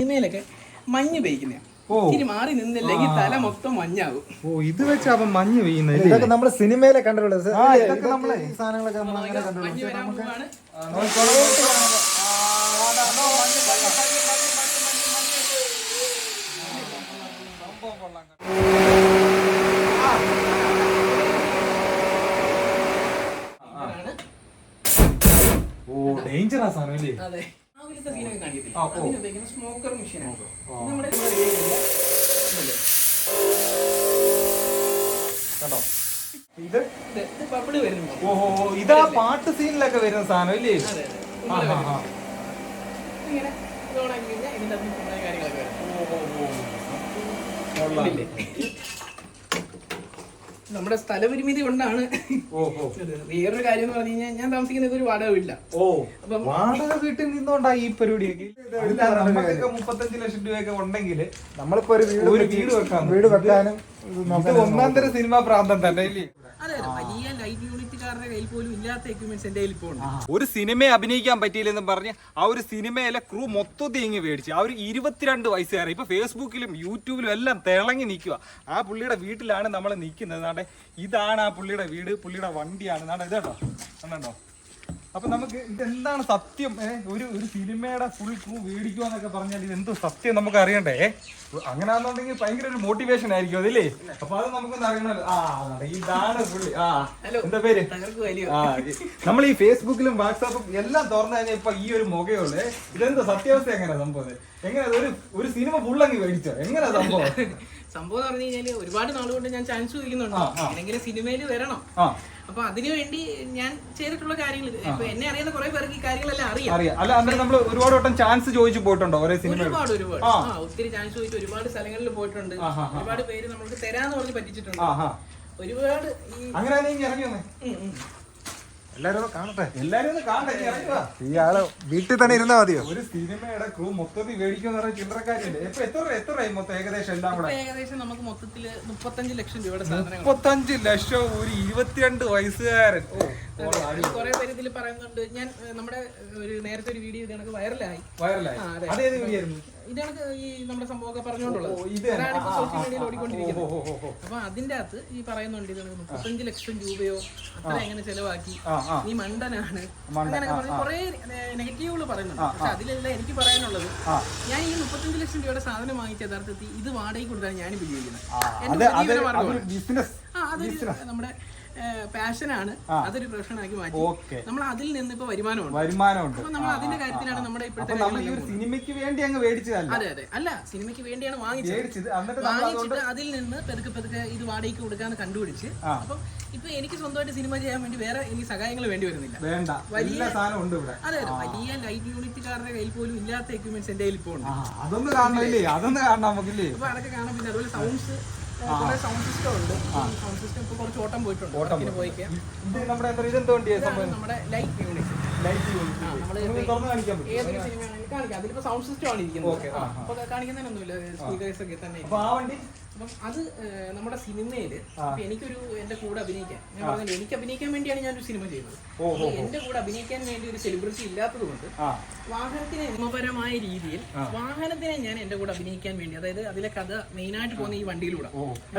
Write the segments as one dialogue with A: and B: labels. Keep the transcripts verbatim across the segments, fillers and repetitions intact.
A: സിനിമയിലൊക്കെ മഞ്ഞ് പെയ്ക്കുന്നതാണ്. ഇനി മാറി നിന്നില്ലെങ്കിൽ തല മൊത്തം മഞ്ഞാവും.
B: ഓ ഇത് വെച്ചാ മഞ്ഞ് പെയ്യുന്നത്.
C: ഇതൊക്കെ നമ്മള് സിനിമയിലെ കണ്ടിട്ടുള്ളത്. ഇതൊക്കെ നമ്മളെ ഈ സാധനങ്ങളൊക്കെ നമ്മൾ അങ്ങനെ കണ്ടിട്ടുള്ളത്.
B: ഓ ഡേഞ്ചറാ സാധനം അല്ലേ?
A: അതെ, ആവിലത്തെ സീനൊക്കെ കാണിക്കത്തില്ല. അതിനുപയോഗിക്കുന്ന സ്മോക്കർ മെഷീനാണ്. നമ്മുടെ
B: കേട്ടോ ഇത്
A: ബബിള് വരുന്നു.
B: ഓഹോ ഇതാ പാട്ട് സീനിലൊക്കെ വരുന്ന സാധനം ഇല്ലേ?
A: ഇങ്ങനെ ഇതോണാക്കി കഴിഞ്ഞാൽ ഇതിന്റെ അകത്ത് കുറേ കാര്യങ്ങളൊക്കെ വരും. നമ്മുടെ സ്ഥലപരിമിതി കൊണ്ടാണ്. വേറൊരു കാര്യം എന്ന് പറഞ്ഞു കഴിഞ്ഞാൽ ഞാൻ താമസിക്കുന്നത് ഒരു വാടക വീട്ടില്ല.
B: ഓ അപ്പം വാടക വീട്ടിൽ നിന്നോണ്ടാ ഈ പരിപാടിയൊക്കെ. നമുക്കൊക്കെ മുപ്പത്തഞ്ച് ലക്ഷം രൂപയൊക്കെ ഉണ്ടെങ്കിൽ നമ്മളിപ്പോ ഒരു വീട് വീട് വെക്കാം.
C: വീട് വെക്കാനും
B: ഒന്നാം തരം സിനിമാ പ്രാന്തം തന്നെ ഇല്ലേ?
A: അതെ, വലിയ ലൈറ്റ് യൂണിറ്റുകാരുടെ കയ്യിൽ പോലും ഇല്ലാത്ത എക്യുപ്മെന്റ്സ് എന്റെ കയ്യിൽ ഇപ്പോൾ ഉണ്ട്.
B: ഒരു സിനിമയെ അഭിനയിക്കാൻ പറ്റിയില്ലെന്നും പറഞ്ഞ് ആ ഒരു സിനിമയിലെ ക്രൂ മൊത്തത്തിൽ ഇങ്ങ് മേടിച്ചു. ആ ഒരു ഇരുപത്തിരണ്ട് വയസ്സുകാരൻ ഇപ്പൊ ഫേസ്ബുക്കിലും യൂട്യൂബിലും എല്ലാം തിളങ്ങി നിൽക്കുക. ആ പുള്ളിയുടെ വീട്ടിലാണ് നമ്മൾ നിൽക്കുന്നത്. നാട്ടെ ഇതാണ് ആ പുള്ളിയുടെ വീട്, പുള്ളിയുടെ വണ്ടിയാണ്. നാട്ടെ ഇതേട്ടോ കണ്ടോ. അപ്പൊ നമുക്ക് ഇതെന്താണ് സത്യം? ഒരു ഒരു സിനിമയുടെ ഫുൾ ക്രൂ മേടിക്കുക എന്നൊക്കെ പറഞ്ഞാൽ ഇതെന്തോ സത്യം നമുക്ക് അറിയണ്ടേ? അങ്ങനെയാണെന്നുണ്ടെങ്കിൽ ഭയങ്കര ഒരു മോട്ടിവേഷൻ ആയിരിക്കും അതില്ലേ? അപ്പൊ അത് നമുക്കൊന്ന് അറിയണല്ലോ. ആ ഇതാണ് പുള്ളി. ആ എന്താ പേര്? ആ നമ്മൾ ഈ ഫേസ്ബുക്കിലും വാട്സാപ്പും എല്ലാം തുറന്നു കഴിഞ്ഞാൽ ഇപ്പൊ ഈ ഒരു മുഖയുള്ളേ. ഇതെന്തോ സത്യാവസ്ഥ എങ്ങനെയാ സംഭവം? എങ്ങനെ ഒരു ഒരു സിനിമ ഫുള്ളങ്ങ് മേടിച്ചോ? എങ്ങനെയാ സംഭവം?
A: സംഭവം പറഞ്ഞു കഴിഞ്ഞാല് ഒരുപാട് നാളുകൊണ്ട് ഞാൻ ചാൻസ് ചോദിക്കുന്നുണ്ട് എന്തെങ്കിലും സിനിമയിൽ വരണം. അപ്പൊ അതിനുവേണ്ടി ഞാൻ ചെയ്തിട്ടുള്ള കാര്യങ്ങൾ ഇപ്പൊ എന്നെ അറിയുന്ന കുറെ പേർക്ക് ഈ കാര്യങ്ങളെല്ലാം അറിയാം.
B: അല്ല അന്നേരം നമ്മൾ ഒരുപാട് വട്ടം ചാൻസ് ചോദിച്ചു പോയിട്ടുണ്ടോ?
A: ഒരുപാട് ഒരുപാട് ആ ഒത്തിരി ചാൻസ് ചോദിച്ചു ഒരുപാട് സ്ഥലങ്ങളിൽ പോയിട്ടുണ്ട്. ഒരുപാട് പേര് നമുക്ക് തരാന്ന് പറഞ്ഞ് പറ്റിച്ചിട്ടുണ്ട്. ഒരുപാട്
C: എല്ലാരും കാണട്ടെ,
B: എല്ലാരും ഒന്ന് കാണട്ടെ.
C: ഇയാള് വീട്ടിൽ തന്നെ ഇരുന്നാ മതിയോ?
B: ഒരു സിനിമയുടെ ക്രൂ മൊത്തത്തിൽ മേടിക്കുന്ന പറഞ്ഞ ചില്ലറക്കാരില്ലേ? ഇപ്പൊ എത്ര എത്ര മൊത്തം ഏകദേശം എല്ലാം കൂടെ?
A: ഏകദേശം നമുക്ക് മൊത്തത്തില് മുപ്പത്തഞ്ച് ലക്ഷം രൂപയുടെ സാധനം.
B: മുപ്പത്തഞ്ച് ലക്ഷം ഒരു ഇരുപത്തിരണ്ട് വയസ്സുകാരൻ.
A: കുറെ പേര് ഇതിൽ പറയുന്നുണ്ട്. ഞാൻ നമ്മുടെ ഒരു നേരത്തെ ഒരു വീഡിയോ ഇതേക്ക് വൈറലായി
B: വൈറലായി അതേത് വീഡിയോ ആയിരുന്നു?
A: ഇതാണ് ഈ നമ്മുടെ സംഭവമൊക്കെ പറഞ്ഞുകൊണ്ടുള്ളത്. സോഷ്യൽ മീഡിയയിൽ ഓടിക്കൊണ്ടിരിക്കുന്നത്. അപ്പൊ അതിന്റെ അകത്ത് ഈ പറയുന്നുണ്ട് ഇത് മുപ്പത്തഞ്ച് ലക്ഷം രൂപയോ അത്ര എങ്ങനെ ചെലവാക്കി, നീ മണ്ടനാണ് അങ്ങനെയൊക്കെ പറഞ്ഞ് കുറെ നെഗറ്റീവുകൾ പറയുന്നുണ്ട്. പക്ഷെ അതിലെല്ലാം എനിക്ക് പറയാനുള്ളത്, ഞാൻ ഈ മുപ്പത്തഞ്ച് ലക്ഷം രൂപയുടെ സാധനം വാങ്ങിച്ച യഥാർത്ഥത്തിൽ ഇത് വാടകയ്ക്ക് കൊടുത്താണ് ഞാൻ ഉപയോഗിക്കുന്നത്. ആ അതൊരു നമ്മുടെ പാഷനാണ്. അതൊരു പ്രൊഫഷനാക്കി മാറ്റി നമ്മൾ അതിൽ നിന്ന് ഇപ്പൊ വരുമാനമുണ്ട്
B: വരുമാനമുണ്ട്
A: അപ്പൊ നമ്മൾ അതിന്റെ കാര്യത്തിലാണ് നമ്മുടെ ഇപ്പോഴത്തെ
B: സിനിമയ്ക്ക് വേണ്ടി അങ്ങ് മേടിച്ചതല്ല.
A: അതെ അതെ അല്ല സിനിമയ്ക്ക് വേണ്ടിയാണ് വാങ്ങിച്ചത്. വാങ്ങിച്ചിട്ട് അതിൽ നിന്ന് പെതുക്കെ പെതുക്കെ ഇത് വാടകയ്ക്ക് കൊടുക്കാന്ന് കണ്ടുപിടിച്ച് അപ്പൊ ഇപ്പൊ എനിക്ക് സ്വന്തമായിട്ട് സിനിമ ചെയ്യാൻ വേണ്ടി വേറെ എനിക്ക് സഹായങ്ങൾ വേണ്ടി വരുന്നില്ല.
B: വേണ്ട വലിയ സാധനം ഉണ്ട് ഇവിടെ.
A: അതെ അതെ വലിയ ലൈറ്റ് യൂണിറ്റുകാരുടെ കയ്യിൽ പോലും ഇല്ലാത്ത എക്യുപ്മെന്റ്സ് എന്റെ കയ്യിൽ ഇപ്പോൾ ഉണ്ട്.
B: അതൊന്ന് കാണണമില്ലേ? അതൊന്ന് കാണണം നമുക്കില്ലേ?
A: അപ്പൊ അതൊക്കെ കാണാൻ. പിന്നെ അതുപോലെ സൗണ്ട്സ് കുറെ സൗണ്ട് സിസ്റ്റം ഉണ്ട്. സൗണ്ട് സിസ്റ്റം ഇപ്പൊ കുറച്ച് ഓട്ടം പോയിട്ടുണ്ട്. നമ്മുടെ ലൈറ്റ് യൂണിറ്റ് ഏതൊരു സിനിമയാണെങ്കിലും കാണിക്കാം. അതിലിപ്പോ സൗണ്ട് സിസ്റ്റം ആണ് ഇരിക്കുന്നത്. അപ്പൊ കാണിക്കുന്നതിനൊന്നുമില്ല, സ്പീക്കേഴ്സ് ഒക്കെ തന്നെ. അപ്പം അത് നമ്മുടെ സിനിമയില് എനിക്കൊരു എന്റെ കൂടെ അഭിനയിക്കാൻ ഞാൻ പറഞ്ഞത് എനിക്ക് അഭിനയിക്കാൻ വേണ്ടിയാണ് ഞാനൊരു സിനിമ ചെയ്യുന്നത്. എന്റെ കൂടെ അഭിനയിക്കാൻ വേണ്ടി ഒരു സെലിബ്രിറ്റി ഇല്ലാത്തത് കൊണ്ട് വാഹനത്തിനെ നിയമപരമായ രീതിയിൽ വാഹനത്തിനെ ഞാൻ എന്റെ കൂടെ അഭിനയിക്കാൻ വേണ്ടി, അതായത് അതിലെ കഥ മെയിനായിട്ട് പോകുന്ന ഈ വണ്ടിയിലൂടെ.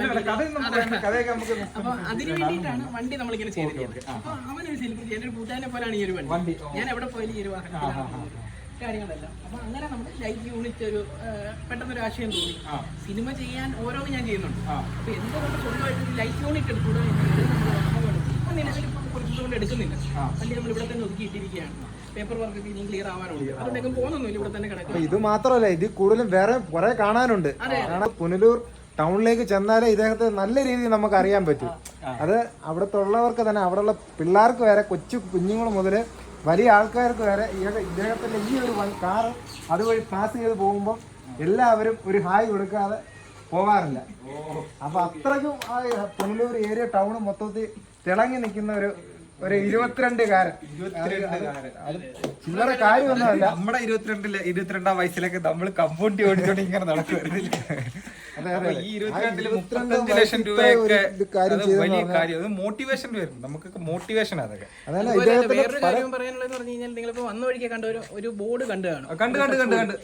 A: അപ്പൊ അതിനു വേണ്ടിയിട്ടാണ് വണ്ടി നമ്മളിങ്ങനെ ചെയ്തിരിക്കുന്നത്. അപ്പൊ അവനൊരു സെലിബ്രിറ്റി, എന്റെ ഒരു കൂട്ടുകാരനെ പോലെയാണ് ഈ ഒരു വണ്ടി. ഞാൻ എവിടെ പോയാലും ഈ ഒരു വാഹനത്തിലാണ് കാര്യങ്ങളെല്ലാം. അപ്പൊ അങ്ങനെ നമ്മുടെ ലൈറ്റ് യൂണിറ്റ് ഒരു പെട്ടെന്നൊരു ആശയം തോന്നി. സിനിമ ചെയ്യാൻ ഓരോന്നും ഞാൻ ചെയ്യുന്നുണ്ട്. അപ്പൊ എന്തുകൊണ്ട് സ്വന്തമായിട്ട് ലൈറ്റ് യൂണിറ്റ് എടുക്കൂടെ കുറച്ച് കൊണ്ട് എടുക്കുന്നില്ല. വണ്ടി നമ്മൾ ഇവിടെ തന്നെ ഒതുക്കിയിട്ടിരിക്കുകയാണ്. പേപ്പർ വർക്ക് ഇനിയും ക്ലിയർ ആവാനുണ്ട്. അതുകൊണ്ടൊക്കെ പോകുന്നൊന്നുമില്ല, ഇവിടെ തന്നെ കിടക്കും.
C: ഇത് മാത്രമല്ല, ഇത് കൂടുതലും വേറെ കുറെ കാണാനുണ്ട്. പുനലൂർ ടൗണിലേക്ക് ചെന്നാലേ ഇദ്ദേഹത്തെ നല്ല രീതിയിൽ നമുക്ക് അറിയാൻ പറ്റും. അത് അവിടുത്തെ ഉള്ളവർക്ക് തന്നെ, അവിടെയുള്ള പിള്ളേർക്ക് വരെ, കൊച്ചു കുഞ്ഞുങ്ങൾ മുതൽ വലിയ ആൾക്കാർക്ക് വരെ ഇദ്ദേഹത്തിന്റെ ഈ ഒരു കാറ് അതുവഴി പാസ് ചെയ്ത് പോകുമ്പോൾ എല്ലാവരും ഒരു ഹായ് കൊടുക്കാതെ പോകാറില്ല. അപ്പൊ അത്രയ്ക്കും ആ പുനലൂർ ഏരിയ ടൗൺ മൊത്തത്തിൽ തിളങ്ങി നിൽക്കുന്ന ഒരു ഒരു ഇരുപത്തിരണ്ടുകാരൻ. ചില്ലറ കാര്യമൊന്നുമല്ല.
B: നമ്മുടെ ഇരുപത്തിരണ്ടില് ഇരുപത്തിരണ്ടാം വയസ്സിലൊക്കെ നമ്മൾ കമ്പൗണ്ടി ഓടിച്ചോണ്ട് ഇങ്ങനെ നടക്കുമായിരുന്നില്ല. ഈ ഇരുപത്തിരണ്ടില് മുപ്പത്തഞ്ച് ലക്ഷം രൂപയൊക്കെ വലിയ കാര്യം. അത് മോട്ടിവേഷൻ വരും, നമുക്കൊക്കെ മോട്ടിവേഷൻ. അതൊക്കെ
A: വേറൊരു കാര്യം പറയാനുള്ളത് പറഞ്ഞു കഴിഞ്ഞാൽ, നിങ്ങളിപ്പോ വന്ന വഴിക്ക് കണ്ട ഒരു ബോർഡ് കണ്ടു കാണും.
B: കണ്ട് കണ്ട് കണ്ട് കണ്ട്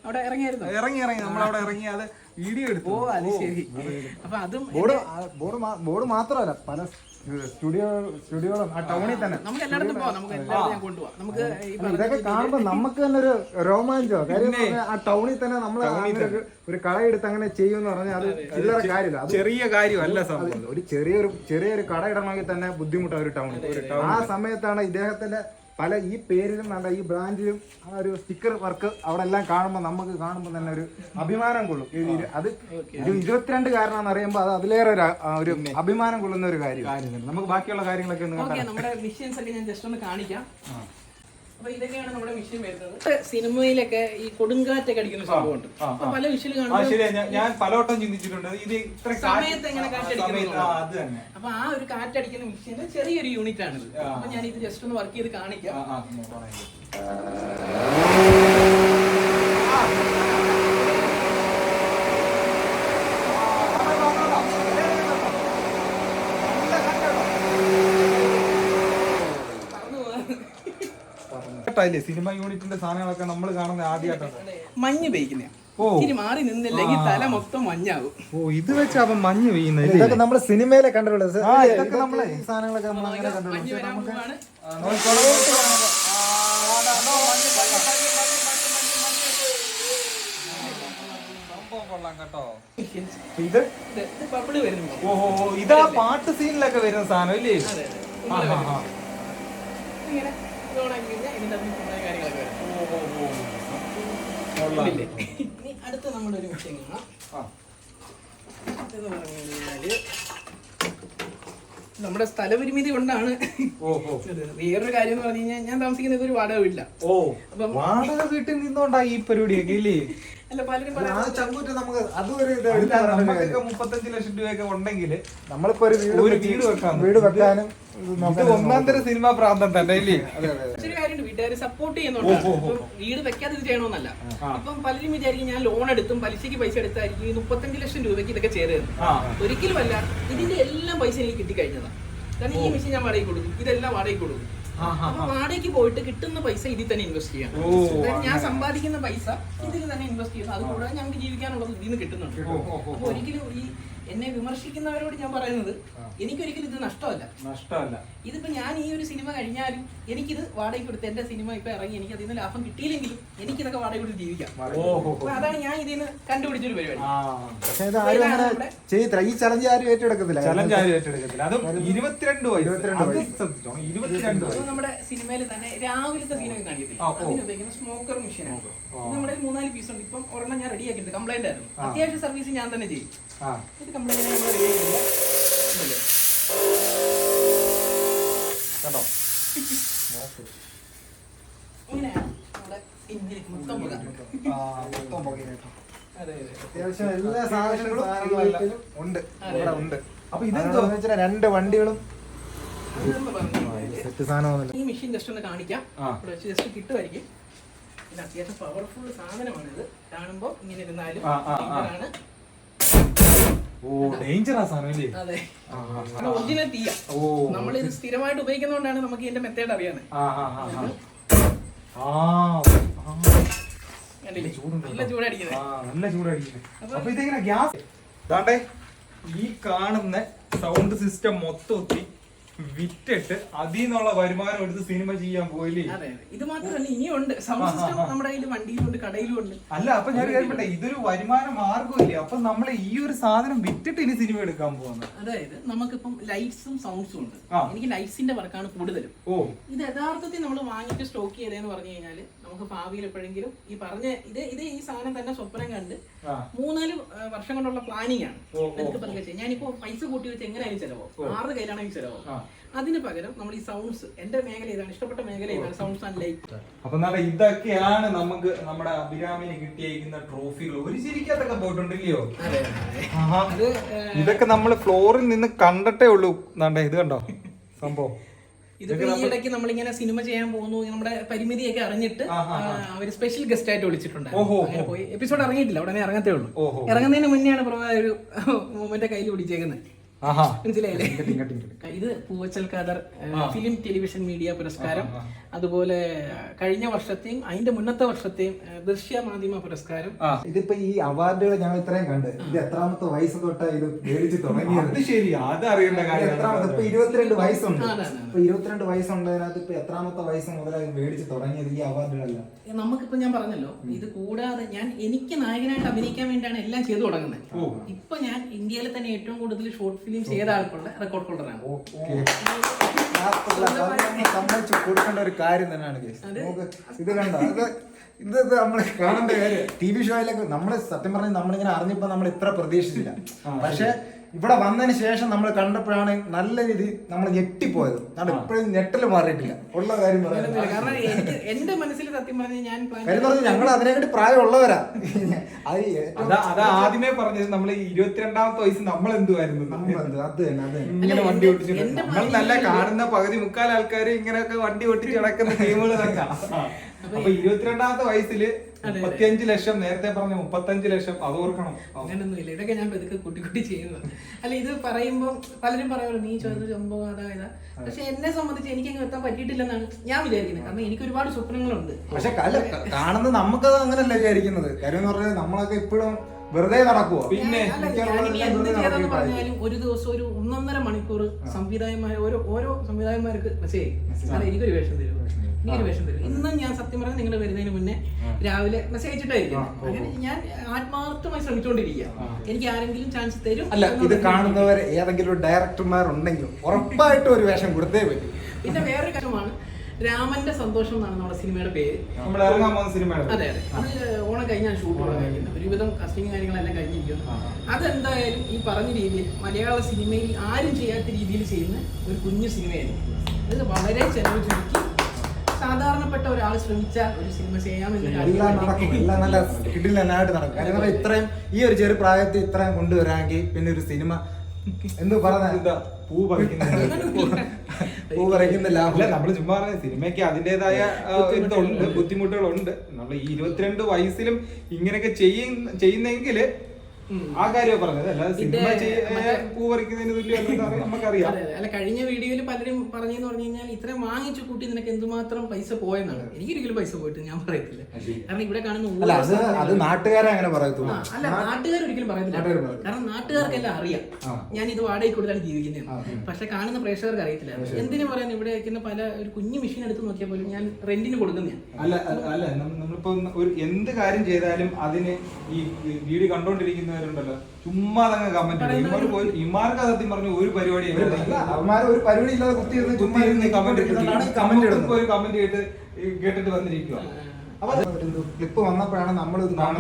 A: അവിടെ ഇറങ്ങിയായിരുന്നു.
B: ഇറങ്ങി ഇറങ്ങി നമ്മളവിടെ ഇറങ്ങി അത് വീഡിയോ എടുത്തു.
A: ഓ അത് ശരി. അപ്പൊ അതും
C: ബോർഡ് ബോർഡ് ബോർഡ് മാത്രമല്ല പല സ്റ്റുഡിയോ സ്റ്റുഡിയോകളും ആ ടൗണിൽ തന്നെ
A: നമുക്ക് എല്ലായിടത്തും പോവാം. നമുക്ക് എല്ലായിടത്തും ഞാൻ കൊണ്ടുപോവാം. നമുക്ക് ഈ
C: ഇതൊക്കെ കാണുമ്പോ നമുക്ക് തന്നെ ഒരു രോമാഞ്ചോ. കാര്യം ആ ടൗണിൽ തന്നെ നമ്മൾ ഒരു കടയെടുത്ത് അങ്ങനെ ചെയ്യുമെന്ന് പറഞ്ഞാൽ അത് ചില്ലറ കാര്യമില്ല. അത്
B: ചെറിയ കാര്യമല്ല സംഭവം.
C: ഒരു ചെറിയൊരു ചെറിയൊരു കട ഇടണമെങ്കിൽ തന്നെ ബുദ്ധിമുട്ടാണ് ഒരു ടൗണിൽ. ആ സമയത്താണ് ഇദ്ദേഹത്തിന്റെ പല ഈ പേരിലും നല്ല ഈ ബ്രാൻഡിലും ആ ഒരു സ്റ്റിക്കർ വർക്ക് അവിടെ എല്ലാം കാണുമ്പോൾ നമുക്ക് കാണുമ്പോൾ തന്നെ ഒരു അഭിമാനം കൊള്ളും. അത് ഒരു ഇരുപത്തിരണ്ട് കാരനാന്ന് അറിയുമ്പോൾ അത് അതിലേറെ ഒരു അഭിമാനം കൊള്ളുന്ന ഒരു കാര്യം.
B: നമുക്ക് ബാക്കിയുള്ള കാര്യങ്ങളൊക്കെ ഒന്ന്
A: ഓക്കെ, നമ്മുടെ മെഷീൻസ് ഒക്കെ ഞാൻ ജസ്റ്റ് ഒന്ന് കാണിക്കാം. അപ്പൊ ഇതൊക്കെയാണ് നമ്മുടെ വിഷയം വരുന്നത്. സിനിമയിലൊക്കെ ഈ കൊടുങ്കാറ്റൊക്കെ അടിക്കുന്ന സംഭവമുണ്ട്. അപ്പൊ പല വിഷയം കാണുമ്പോൾ
B: ഞാൻ പലവട്ടം ചിന്തിച്ചിട്ടുണ്ട് ഇത് ഇത്ര
A: സമയത്ത് എങ്ങനെ കാറ്റടിക്കുന്നത്.
B: അത് തന്നെ.
A: അപ്പൊ ആ ഒരു കാറ്റടിക്കുന്ന മെഷീന്റെ ചെറിയൊരു യൂണിറ്റ് ആണിത്. അപ്പൊ ഞാൻ ഇത് ജസ്റ്റ് ഒന്ന് വർക്ക് ചെയ്ത് കാണിക്കാം.
B: സിനിമ യൂണിറ്റിന്റെ സാധനങ്ങളൊക്കെ നമ്മൾ കാണുന്ന ആദ്യമായിട്ടാണ്.
A: മഞ്ഞ് പെയ്ക്കുന്ന ഇനി മാറി നിന്നില്ലെങ്കിൽ തല മൊത്തം മഞ്ഞാകും.
B: ഓ ഇത് വെച്ച് അവൻ മഞ്ഞ് പെയ്യുന്നത്.
C: ഇതൊക്കെ നമ്മൾ സിനിമയിലെ കണ്ടിട്ടുള്ളത്. ഇതൊക്കെ നമ്മളെ ഈ സാധനങ്ങളൊക്കെ നമ്മൾ അങ്ങനെ കണ്ടിട്ടുള്ളത്.
B: ഇത്
A: ബബിള് വരുന്നു.
B: ഓഹോ ഇതാ പാട്ട് സീനിലൊക്കെ വരുന്ന സാധനം ഇല്ലേ?
A: ഇങ്ങനെ ഇതിന്റെ കാര്യങ്ങളൊക്കെ ഇനി അടുത്ത നമ്മളൊരു വിഷയം കാണാം. എന്ന് പറഞ്ഞു കഴിഞ്ഞാല് നമ്മുടെ സ്ഥലപരിമിതി കൊണ്ടാണ്. വേറൊരു കാര്യം എന്ന് പറഞ്ഞു കഴിഞ്ഞാൽ ഞാൻ താമസിക്കുന്നത് ഒരു വാടക വീട്ടില്ല.
B: ഓ അപ്പം വാടക വീട്ടിൽ നിന്നോണ്ടാ ഈ പരിപാടിയൊക്കെ ഇല്ലേ?
A: അല്ല പലരും
B: മുപ്പത്തഞ്ച് ലക്ഷം രൂപയൊക്കെ ഉണ്ടെങ്കിൽ
C: നമ്മളിപ്പോ ഒരു
B: ഒരു വീട് വെക്കാം.
C: വീട് വെക്കാനും
B: ഒന്നാം തരം സിനിമ പ്രാന്തം തന്നെ ഇല്ലേ?
A: ഒരു കാര്യമുണ്ട്, വീട്ടുകാർ സപ്പോർട്ട് ചെയ്യുന്നുണ്ട്. ഇപ്പം വീട് വെക്കാതെ ഇത് ചെയ്യണമെന്നല്ല. ഇപ്പം പലരും വിചാരിക്കും ഞാൻ ലോൺ എടുത്തും പലിശയ്ക്ക് പൈസ എടുത്തായിരിക്കും ഈ മുപ്പത്തഞ്ച് ലക്ഷം രൂപയ്ക്ക് ഇതൊക്കെ ചെയ്തത്. ഒരിക്കലുമല്ല. ഇതിന്റെ എല്ലാം പൈസ എനിക്ക് കിട്ടിക്കഴിഞ്ഞതാണ്. കാരണം ഈ മെഷീൻ ഞാൻ വാടകയ്ക്ക് കൊടുക്കും, ഇതെല്ലാം വാടകയ്ക്ക് കൊടുക്കും. അപ്പൊ വാടകയ്ക്ക് പോയിട്ട് കിട്ടുന്ന പൈസ ഇതിൽ തന്നെ ഇൻവെസ്റ്റ് ചെയ്യാം. ഞാൻ സമ്പാദിക്കുന്ന പൈസ ഇതിൽ തന്നെ ഇൻവെസ്റ്റ് ചെയ്യുന്നു. അതുകൂടാതെ ഞങ്ങൾക്ക് ജീവിക്കാനുള്ളത് ഇതിൽ നിന്ന് കിട്ടുന്നുണ്ട്. അപ്പൊ ഒരിക്കലും ഈ എന്നെ വിമർശിക്കുന്നവരോട് ഞാൻ പറയുന്നത് എനിക്കൊരിക്കലും ഇത് നഷ്ടമല്ല.
B: നഷ്ടമല്ല.
A: ഇതിപ്പോ ഞാൻ ഈ ഒരു സിനിമ കഴിഞ്ഞാലും എനിക്കിത് വാടകയ്ക്ക് കൊടുത്ത് എന്റെ സിനിമ ഇപ്പൊ ഇറങ്ങി എനിക്ക് അതിൽ നിന്ന് ലാഭം കിട്ടിയില്ലെങ്കിലും എനിക്കിതൊക്കെ വാടക കൊടുത്ത് ജീവിക്കാം. അപ്പൊ അതാണ് ഞാൻ ഇതിന് കണ്ടുപിടിച്ചൊരു പരിപാടി.
C: പക്ഷെ ഇത് ആരും അങ്ങനെ ചെയ്യത്തില്ല. ഈ ചലഞ്ച് ആരും ഏറ്റെടുക്കത്തില്ല.
B: ചലഞ്ച് ആരും ഏറ്റെടുക്കത്തില്ല. അതും ഇരുപത്തിരണ്ട്
A: ഇരുപത്തിരണ്ട് നമ്മുടെ സിനിമയിൽ തന്നെ രാവിലത്തെ സീനൊക്കെ കാണിക്കത്തില്ല. അതിന് ഉപയോഗിക്കുന്ന സ്മോക്കർ മെഷീനാണ്. നമ്മുടെ മൂന്നാല് പീസ് ഉണ്ട്. ഇപ്പം ഒരെണ്ണം ഞാൻ റെഡി ആക്കിയിട്ട് കംപ്ലൈന്റ് ആയിരുന്നു. അത്യാവശ്യം സർവീസ് ഞാൻ തന്നെ ചെയ്യും. ഇത് കംപ്ലൈന്റ് നമ്മൾ റെഡി ആക്കില്ല.
B: കേട്ടോ
A: ഇങ്ങനെയാണ് നമ്മുടെ ഇന്ത്യയിൽ മൊത്തം പുക.
C: അത്യാവശ്യം എല്ലാ സാധനങ്ങളും ഉണ്ട് ഇവിടെ ഉണ്ട്.
B: അപ്പൊ ഇതെന്തോ
C: രണ്ട് വണ്ടികളും
A: ഇതെന്ന് പറഞ്ഞു
C: സെറ്റ് സാധനം.
A: ഈ മെഷീൻ ജസ്റ്റ് ഒന്ന് കാണിക്കാം. ഇവിടെ വെച്ച് ജസ്റ്റ് കിട്ടുമായിരിക്കും. ഇത് അത്യാവശ്യം പവർഫുൾ സാധനമാണ്. ഇത് കാണുമ്പോ ഇങ്ങനെ ഇരുന്നാലും ആണ്.
B: ഓ ഡേഞ്ചറാ സാധനം അല്ലേ?
A: അതെ, ഒറിജിനൽ തീയ. നമ്മൾ ഇത് സ്ഥിരമായിട്ട് ഉപയോഗിക്കുന്നതുകൊണ്ടാണ് നമുക്ക് ഇതിന്റെ മെത്തേഡ് അറിയാൻ. നല്ല ചൂടടിക്കുന്നത്.
B: നല്ല ചൂടടിക്കുന്നത്. അപ്പൊ ഇതെങ്ങനെ ഗ്യാസ് ദാണ്ടേ ഈ കാണുന്ന സൗണ്ട് സിസ്റ്റം മൊത്തം വിറ്റിട്ട് അതിൽ നിന്നുള്ള വരുമാനം എടുത്ത് സിനിമ ചെയ്യാൻ പോയില്ലേ?
A: അതെ, ഇത് മാത്രമല്ല ഇനിയുണ്ട് സൗണ്ട് സിസ്റ്റം. നമ്മുടെ കയ്യിൽ വണ്ടിയിലുണ്ട്, കടയിലുണ്ട്.
B: അല്ല അപ്പൊ ഞാൻ കേൾപ്പട്ടെ, ഇതൊരു വരുമാന മാർഗമില്ലേ? അപ്പൊ നമ്മൾ ഈ ഒരു സാധനം വിറ്റിട്ട് ഇനി സിനിമ എടുക്കാൻ പോകുന്നത്.
A: അതായത് നമുക്കിപ്പം ലൈറ്റ്സും സൗണ്ട്സും ഉണ്ട്. എനിക്ക് ലൈറ്റ്സിന്റെ വർക്കാണ് കൂടുതലും.
B: ഓ
A: ഇത് യഥാർത്ഥത്തിൽ നമ്മൾ വാങ്ങിയിട്ട് സ്റ്റോക്ക് ചെയ്തതെന്ന് പറഞ്ഞു കഴിഞ്ഞാല് നമുക്ക് ഭാവിയിൽ എപ്പോഴെങ്കിലും ഈ പറഞ്ഞ ഇത് ഇത് ഈ സാധനം തന്നെ സ്വപ്നം കണ്ട് മൂന്നാല് വർഷം കൊണ്ടുള്ള പ്ലാനിങ് ആണ്. അതൊക്കെ ഞാനിപ്പോ പൈസ കൂട്ടി വെച്ച് എങ്ങനെയായാലും ചെലവോ ആറ് കയ്യിലാണെങ്കിൽ ചെലവോ. അതിന് പകരം നമ്മൾ ഈ സൗണ്ട്സ്, എന്റെ മേഖല ഏതാണ്, ഇഷ്ടപ്പെട്ട മേഖല ഏതാണ്, സൗണ്ട്സ് ആൻഡ് ലൈറ്റ്.
B: അപ്പൊ ഇതൊക്കെയാണ് നമുക്ക് നമ്മുടെ അഭിരാമിന് കിട്ടിയിരിക്കുന്ന ട്രോഫികൾ. ഒരു ശരിക്കത്തൊക്കെ പോയിട്ടുണ്ടല്ലോ. ഇതൊക്കെ നമ്മൾ ഫ്ലോറിൽ നിന്ന് കണ്ടിട്ടേ ഉള്ളൂ. ഇത് കണ്ടോ സംഭവം.
A: ഇതിപ്പോ ഈ ഇടയ്ക്ക് നമ്മളിങ്ങനെ സിനിമ ചെയ്യാൻ പോകുന്നു, നമ്മുടെ പരിമിതിയൊക്കെ അറിഞ്ഞിട്ട് അവര് സ്പെഷ്യൽ ഗസ്റ്റ് ആയിട്ട് വിളിച്ചിട്ടുണ്ടായിരുന്നു. അങ്ങനെ പോയി എപ്പിസോഡ് ഇറങ്ങിയിട്ടില്ല, ഉടനെ ഇറങ്ങത്തേ ഉള്ളൂ. ഇറങ്ങുന്നതിന് മുന്നെയാണ് ഒരു മൊമെന്റ് കയ്യിൽ പിടിച്ചേക്കുന്നത്. മനസ്സിലായില്ലേ? ഇത് Poovachal Khader film television media പുരസ്കാരം, അതുപോലെ കഴിഞ്ഞ വർഷത്തെയും അതിന്റെ മുന്നത്തെ വർഷത്തെയും ദൃശ്യ മാധ്യമ പുരസ്കാരം.
C: ഇതിപ്പോ ഈ അവാർഡുകൾ ഞങ്ങൾ ഇത്രയും കണ്ട് ഇത് എത്രാമത്തെ വയസ്സ് തൊട്ടാ ഇത് മേടിച്ച് തുടങ്ങിയത്?
B: ശരി, അത് അറിയേണ്ട കാര്യം.
C: എത്രാമത്തെ ഇപ്പൊ ഇരുപത്തിരണ്ട് വയസ്സുണ്ട്. ഇപ്പൊ ഇരുപത്തിരണ്ട് വയസ്സുണ്ടതിനകത്ത് ഇപ്പൊ എത്രാമത്തെ വയസ്സ് മുതലായി മേടിച്ച് തുടങ്ങിയത് ഈ അവാർഡുകളെല്ലാം?
A: നമുക്കിപ്പോ ഞാൻ പറഞ്ഞല്ലോ, ഇത് കൂടാതെ ഞാൻ എനിക്ക് നായകനായിട്ട് അഭിനയിക്കാൻ വേണ്ടിയാണ് എല്ലാം ചെയ്തു തുടങ്ങുന്നത്. ഇപ്പൊ ഞാൻ ഇന്ത്യയിൽ തന്നെ ഏറ്റവും കൂടുതൽ ഷോർട്ട് ഫിലിം ചെയ്ത ആൾക്കുള്ള റെക്കോർഡ് ഹോൾഡറാണ്.
C: സമ്മതിച്ചു കൊടുക്കേണ്ട ഒരു കാര്യം തന്നെയാണ് നമുക്ക്. ഇത് കണ്ടോ, ഇത് ഇത് നമ്മള് കാണേണ്ട കാര്യം. ടി വി ഷോയിലൊക്കെ നമ്മള് സത്യം പറഞ്ഞാൽ നമ്മളിങ്ങനെ അറിഞ്ഞപ്പോ നമ്മൾ ഇത്ര പ്രതീക്ഷിച്ചില്ല. പക്ഷെ ഇവിടെ വന്നതിന് ശേഷം നമ്മൾ കണ്ടപ്പോഴാണ് നല്ല രീതി നമ്മൾ ഞെട്ടിപ്പോയത്. നമ്മൾ ഇപ്പോഴും ഞെട്ടല് മാറിയിട്ടില്ല ഉള്ള കാര്യം പറയാൻ.
A: കാരണം എനിക്ക് എന്റെ മനസ്സിൽ സത്യം പറഞ്ഞാൽ ഞാൻ
C: കാര്യം പറഞ്ഞാൽ ഞങ്ങൾ അതിനെക്കാട്ടി പ്രായമുള്ളവരാ.
B: അത് ആദ്യമേ പറഞ്ഞത് നമ്മൾ ഇരുപത്തിരണ്ടാമത്തെ വയസ്സ് നമ്മൾ എന്തുവായിരുന്നു
C: അത് തന്നെ അത്
B: ഇങ്ങനെ വണ്ടി ഓടിച്ചിട്ട് നമ്മൾ നല്ല കാണുന്ന പകുതി മുക്കാൽ ആൾക്കാർ ഇങ്ങനെയൊക്കെ വണ്ടി ഓടിച്ച് കിടക്കുന്ന ഗെയിമുകൾ തന്നെ. അപ്പൊ ഇരുപത്തിരണ്ടാമത്തെ വയസ്സില് മുപ്പത്തിയഞ്ച് ലക്ഷം, നേരത്തെ പറഞ്ഞ മുപ്പത്തഞ്ച് ലക്ഷം, അത് ഓർക്കണം.
A: അങ്ങനൊന്നുമില്ല, ഇതൊക്കെ ഞാൻ ഇതൊക്കെ കുട്ടി കുട്ടി ചെയ്യുന്നത്. അല്ല, ഇത് പറയുമ്പോൾ പലരും പറയുമല്ലോ നീ ചോദിച്ച സംഭവം അതായത്, പക്ഷെ എന്നെ സംബന്ധിച്ച് എനിക്ക് അങ്ങ് എത്താൻ പറ്റിയിട്ടില്ലെന്നാണ് ഞാൻ വിചാരിക്കുന്നത്. കാരണം എനിക്ക് ഒരുപാട് സ്വപ്നങ്ങളുണ്ട്.
C: പക്ഷെ കാണുന്നത് നമുക്കത് അങ്ങനല്ല വിചാരിക്കുന്നത്. കാര്യം എന്ന് പറഞ്ഞാൽ നമ്മളൊക്കെ ഇപ്പോഴും വെറുതെ നടക്കുവോ?
A: പിന്നെ എന്ത് ചെയ്തെന്ന് പറഞ്ഞാലും ഒരു ദിവസം ഒരു ഒന്നൊന്നര മണിക്കൂർ സംവിധായകന്മാർ ഓരോ ഓരോ സംവിധായകന്മാർക്ക് മെസ്സേജ് അല്ല എനിക്കൊരു വേഷം തരും, എനിക്കൊരു വേഷം തരും. ഇന്നും ഞാൻ സത്യം പറഞ്ഞാൽ നിങ്ങൾ വരുന്നതിന് മുന്നേ രാവിലെ മെസ്സേജ് അയച്ചിട്ടായിരിക്കും. അങ്ങനെ ഞാൻ ആത്മാർത്ഥമായി ശ്രമിച്ചുകൊണ്ടിരിക്കുക. എനിക്ക് ആരെങ്കിലും ചാൻസ് തരും.
C: അല്ല, ഇത് കാണുന്നവർ ഏതെങ്കിലും ഡയറക്ടർമാരുണ്ടെങ്കിൽ ഉറപ്പായിട്ടും ഒരു വേഷം കൊടുത്തേ പറ്റും.
A: പിന്നെ വേറൊരു കാര്യമാണ്, രാമന്റെ സന്തോഷം എന്നാണ് നമ്മുടെ സിനിമയുടെ പേര്. അതെ അതെ, അത് ഓണം കഴിഞ്ഞാൽ ഷൂട്ട് തുടങ്ങിയിരിക്കുന്നത്. ഒരുവിധം കസ്റ്റിംഗ് കാര്യങ്ങളെല്ലാം കഴിഞ്ഞിരിക്കുന്നു. അതെന്തായാലും ഈ പറഞ്ഞ രീതിയിൽ മലയാള സിനിമയിൽ ആരും ചെയ്യാത്ത രീതിയിൽ ചെയ്യുന്ന ഒരു കുഞ്ഞു സിനിമയായിരിക്കും. അത് വളരെ ചെലവ് ചുരുക്കി സാധാരണപ്പെട്ട ഒരാൾ ശ്രമിച്ചാൽ ഒരു സിനിമ ചെയ്യാമെന്ന്
C: നടക്കും. എല്ലാം നല്ല കിടിലനായിട്ട് നടക്കും. കാര്യം ഇത്രയും ഈ ഒരു ചെറു പ്രായത്തിൽ ഇത്രയും കൊണ്ടുവരാമെങ്കിൽ പിന്നെ ഒരു സിനിമ എന്ത് പറഞ്ഞ
B: പൂ പറിക്കുന്ന
C: പൂ പറിക്കുന്ന ലാഭം.
B: നമ്മള് ചുമ്മാ സിനിമയ്ക്ക് അതിന്റേതായ ഇതുണ്ട്, ബുദ്ധിമുട്ടുകളുണ്ട്. നമ്മൾ ഈ ഇരുപത്തിരണ്ട് വയസ്സിലും ഇങ്ങനെയൊക്കെ ചെയ്യുന്ന ചെയ്യുന്നെങ്കില് ആ കാര്യം പറഞ്ഞത്, അല്ലാതെ സിനിമ പൂ പറിക്കുന്നതിന് തുല്യം നമുക്കറിയാം.
A: അല്ല, കഴിഞ്ഞ വീഡിയോയിൽ പലരും പറഞ്ഞെന്ന് പറഞ്ഞു കഴിഞ്ഞാൽ ഇത്രയും വാങ്ങിച്ചു കൂട്ടി നിനക്ക് എന്തുമാത്രം പൈസ പോയെന്നാണ്. എനിക്കൊരിക്കലും പൈസ പോയിട്ട് ഞാൻ പറയത്തില്ല. കാരണം ഇവിടെ കാണുന്ന
C: അത് നാട്ടുകാരെ അങ്ങനെ പറയത്തുള്ളൂ.
A: അല്ല, നാട്ടുകാർ ഒരിക്കലും പറയത്തില്ല. കാരണം നാട്ടുകാർക്കെല്ലാം അറിയാം ഞാൻ ഇത് വാടകയ്ക്ക് കൊടുത്താണ് ജീവിക്കുന്നത്. പക്ഷെ കാണുന്ന പ്രേക്ഷകർക്ക് അറിയത്തില്ല. എന്തിനു പറയാൻ ഇവിടെ വയ്ക്കുന്ന പല ഒരു കുഞ്ഞു മെഷീൻ എടുത്ത് നോക്കിയാൽ പോലും ഞാൻ റെന്റിന് കൊടുക്കുന്നതാണ്.
B: അല്ല അല്ല നമ്മളിപ്പോ ഒരു എന്ത് കാര്യം ചെയ്താലും അതിന് ഈ വീഡിയോ കണ്ടോണ്ടിരിക്കുന്ന ണ്ടല്ലോ ചുമ്മാ തന്നെ കമന്റ് ഇടും. ഇമാർക്ക് സത്യം പറഞ്ഞ ഒരു പരിപാടി
C: ഒരു പരിപാടി ഇല്ലാതെ കുത്തി
B: കമന്റ് ഒരു കമന്റ് കേട്ട് കേട്ടിട്ട് വന്നിരിക്കുക.
C: ക്ലിപ്പ് വന്നപ്പോഴാണ് നമ്മൾ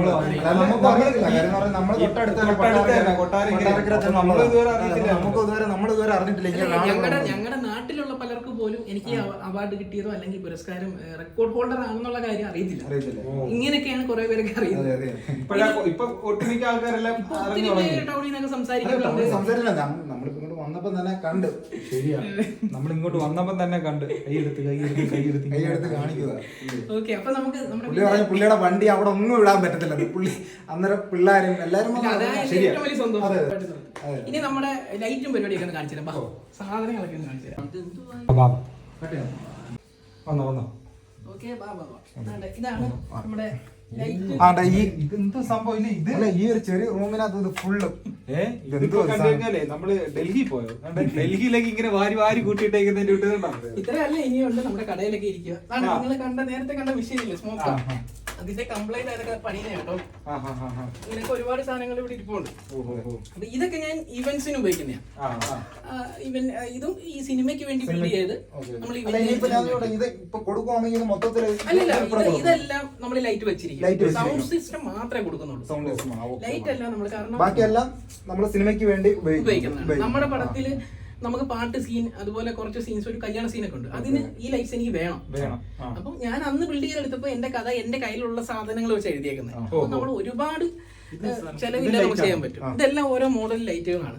C: നമ്മളിതുവരെ അറിഞ്ഞിട്ടില്ല.
A: ഞങ്ങളുടെ നാട്ടിലുള്ള പലർക്ക് പോലും എനിക്ക് അവാർഡ് കിട്ടിയതോ അല്ലെങ്കിൽ പുരസ്കാരം റെക്കോർഡ് ഹോൾഡർ ആണെന്നുള്ള കാര്യം അറിയത്തില്ല. ഇങ്ങനെയൊക്കെയാണ് കുറെ പേരൊക്കെ അറിയുന്നത്.
B: ഇപ്പൊ ഒട്ടുമിക്ക ആൾക്കാരെല്ലാം
A: ടൗണിൽ നിന്നൊക്കെ സംസാരിക്കുന്നുണ്ട്.
C: നമ്മളിങ്ങോട്ട് വന്നപ്പോ തന്നെ കണ്ട് ശരിയാണ്
B: നമ്മളിങ്ങോട്ട് വന്നപ്പോ തന്നെ കണ്ട് കൈയെടുത്ത് കൈയെടുത്ത് കൈയെടുത്ത്
C: കൈയെടുത്ത് കാണിക്കുക.
A: ഓക്കെ, അപ്പൊ നമുക്ക്
C: പുള്ളി പറഞ്ഞ പുള്ളിയുടെ വണ്ടി അവിടെ ഒന്നും ഇടാൻ പറ്റത്തില്ല. പുള്ളി അന്നേരം പിള്ളേരും എല്ലാരും
A: ഇനി നമ്മുടെ ലൈറ്റും പരിപാടിയൊക്കെ ഒന്ന് കാണിച്ചു തരാം. സാധനങ്ങളൊക്കെ ഒന്ന് കാണിച്ചു തരാം. ഇതാണ് നമ്മുടെ
C: ഈ ഒരു ചെറിയ റൂമിനകത്ത് ഫുള്ള്
B: നമ്മള് ഡൽഹി പോയോ? ഡൽഹിയിലേക്ക് ഇങ്ങനെ വാരി വാരി കൂട്ടിയിട്ടേക്കുന്നതിന്റെ
A: ഇത്രയല്ല ഇനിയുണ്ട്. നമ്മുടെ കടയിലൊക്കെ ഇരിക്കുക. നിങ്ങൾ കണ്ട നേരത്തെ കണ്ട മെഷീനില്ലേ സ്മോക്ക്, അതിന്റെ കംപ്ലൈന്റ് അതൊക്കെ പണിയുന്ന കേട്ടോ. ഇങ്ങനെയൊക്കെ ഒരുപാട് സാധനങ്ങൾ ഇവിടെ ഇരിപ്പുണ്ട്. അപ്പൊ ഇതൊക്കെ ഞാൻ ഇവന്റ്സിന് ഉപയോഗിക്കുന്നതാണ്. ഇവൻ ഇതും ഈ സിനിമയ്ക്ക് വേണ്ടി ബിൽഡ് ചെയ്ത് നമ്മൾ ഇതെല്ലാം നമ്മൾ ലൈറ്റ് വെച്ചിരിക്കും. സൗണ്ട് സിസ്റ്റം മാത്രമേ കൊടുക്കുന്നുള്ളൂ. ലൈറ്റ് എല്ലാം നമ്മൾ കാരണം
C: ബാക്കിയെല്ലാം നമ്മൾ സിനിമയ്ക്ക് വേണ്ടി
A: ഉപയോഗിക്കുന്നത്. നമ്മുടെ പടത്തില് നമുക്ക് പാട്ട് സീൻ, അതുപോലെ കുറച്ച് സീൻസ്, ഒരു കല്യാണ സീനൊക്കെ ഉണ്ട്. അതിന് ഈ ലൈറ്റ്സ് എനിക്ക് വേണം. അപ്പം ഞാൻ അന്ന് ബിൽഡ് ചെയ്തെടുത്തപ്പോ എന്റെ കഥ എന്റെ കയ്യിലുള്ള സാധനങ്ങൾ വെച്ച് എഴുതിയേക്കുന്നത്. അപ്പൊ നമ്മൾ ഒരുപാട് ചെലവില്ലാതെ നമുക്ക് ചെയ്യാൻ പറ്റും. ഇതെല്ലാം ഓരോ മോഡൽ ലൈറ്റുകളാണ്.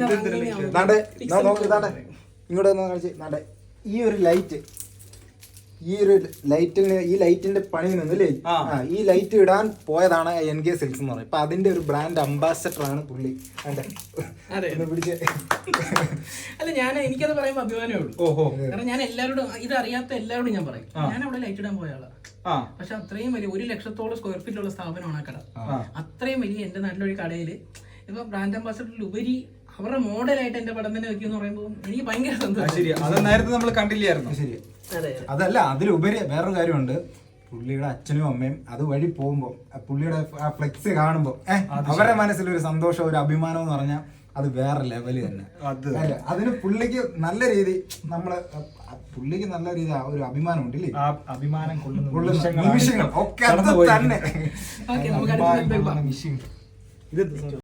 C: ഇങ്ങോട്ട് ഈ ഒരു ലൈറ്റ് ഈ ഒരു ലൈറ്റിന് ഈ ലൈറ്റിന്റെ പണി നിന്നില്ലേ ഈ ലൈറ്റ് ഇടാൻ പോയതാണ് എൻ കെ സിൽക്സ് എന്ന് പറയുന്നത്. ഇപ്പൊ അതിന്റെ ഒരു ബ്രാൻഡ് അംബാസഡർ ആണ് പുള്ളി. പിടിച്ച്
A: അല്ല ഞാൻ എനിക്കത് പറയുമ്പോ അഭിമാനമേ ഉള്ളൂ. കാരണം ഞാൻ എല്ലാവരോടും ഇത് അറിയാത്ത എല്ലാവരോടും ഞാൻ പറയും ഞാൻ അവിടെ ലൈറ്റ് ഇടാൻ പോയ ആളാ. പക്ഷെ അത്രയും വലിയ ഒരു ലക്ഷത്തോളം സ്ക്വയർ ഫീറ്റ് ഉള്ള സ്ഥാപനമാണ് ആ കട. അത്രയും വലിയ എന്റെ നാട്ടിലൊരു കടയില് ഇപ്പൊ ബ്രാൻഡ് അംബാസഡറിൽ ഉപരി അവരുടെ മോഡലായിട്ട് എന്റെ പടം തന്നെ വെക്കുന്ന പറയുമ്പോൾ എനിക്ക് ഭയങ്കര സന്തോഷം.
B: അത് നേരത്തെ നമ്മൾ കണ്ടില്ലായിരുന്നു.
C: ശരി. അതല്ല, അതിലുപരി വേറൊരു കാര്യമുണ്ട്. പുള്ളിയുടെ അച്ഛനും അമ്മയും അത് വഴി പോകുമ്പോ പുള്ളിയുടെ ആ ഫ്ലെക്സ് കാണുമ്പോ ഏഹ് അവരുടെ മനസ്സിലൊരു സന്തോഷം, ഒരു അഭിമാനം എന്ന് പറഞ്ഞാൽ അത് വേറെ ലെവല് തന്നെ. അതിന് പുള്ളിക്ക് നല്ല രീതി നമ്മള് പുള്ളിക്ക് നല്ല രീതി ഒരു അഭിമാനം ഉണ്ടല്ലേ,
B: അഭിമാനം
C: കൊള്ളുന്ന നിമിഷങ്ങൾ ഒക്കെ അത് തന്നെ.
A: ഇത്